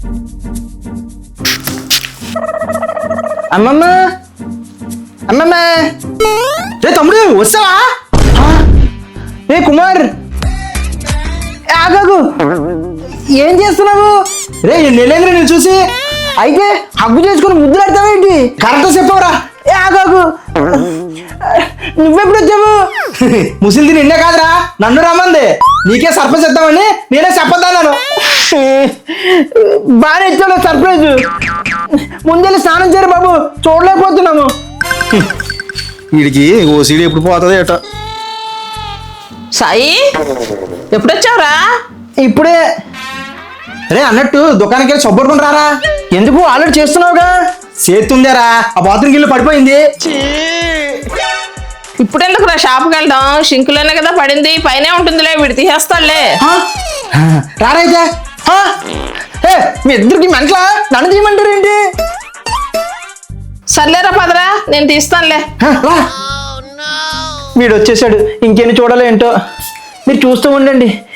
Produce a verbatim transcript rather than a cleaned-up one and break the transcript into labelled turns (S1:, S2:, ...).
S1: అమ్మమ్మ అమ్మమ్మ రే తమ్ముడు వస్తావా? ఏ కుమార్ ఆగాగు, ఏం చేస్తున్నావు? రే నెలేంద్ర నేను చూసి అయితే హగ్గు చేసుకుని ముద్దులాడతావేంటి? కరెక్ట్ చెప్పవరా? ఏ ఆగాగు, నువ్వెప్పుడు వచ్చావు? ముసిలిది నిన్నే కాదురా, నన్ను రమ్మంది. నీకే సర్ప్రైజ్ ఇద్దామని నేనే చెప్పొద్దన్నాను. బాగా ఇచ్చాడు సర్ప్రైజ్. ముందెళ్ళి స్నానం చేయరు బాబు, చూడలేకపోతున్నాము. వీడికి ఓ సీడీ ఎప్పుడు పోతుంది ఏట.
S2: సాయి ఎప్పుడొచ్చావురా?
S1: ఇప్పుడే. రే అన్నట్టు దుకాణానికి వెళ్ళి సబ్బుడుకుని రారా. ఎందుకు ఆల్రెడీ చేస్తున్నావుగా? చేతుందేరా, ఆ బాత్రూమ్కి వెళ్ళి పడిపోయింది.
S2: ఇప్పుడు ఎందుకురా షాప్కి వెళ్దాం? షింకులోనే కదా పడింది, పైనే ఉంటుందిలే, వీడు తీసేస్తాడులే.
S1: రారైతే మీ ఇద్దరికి మెంట్ల నన్ను తీయమంటారు ఏంటి?
S2: సర్లేరా పదరా, నేను తీస్తానులే.
S1: వీడు వచ్చేసాడు, ఇంకేమి చూడాలి ఏంటో. మీరు చూస్తూ ఉండండి.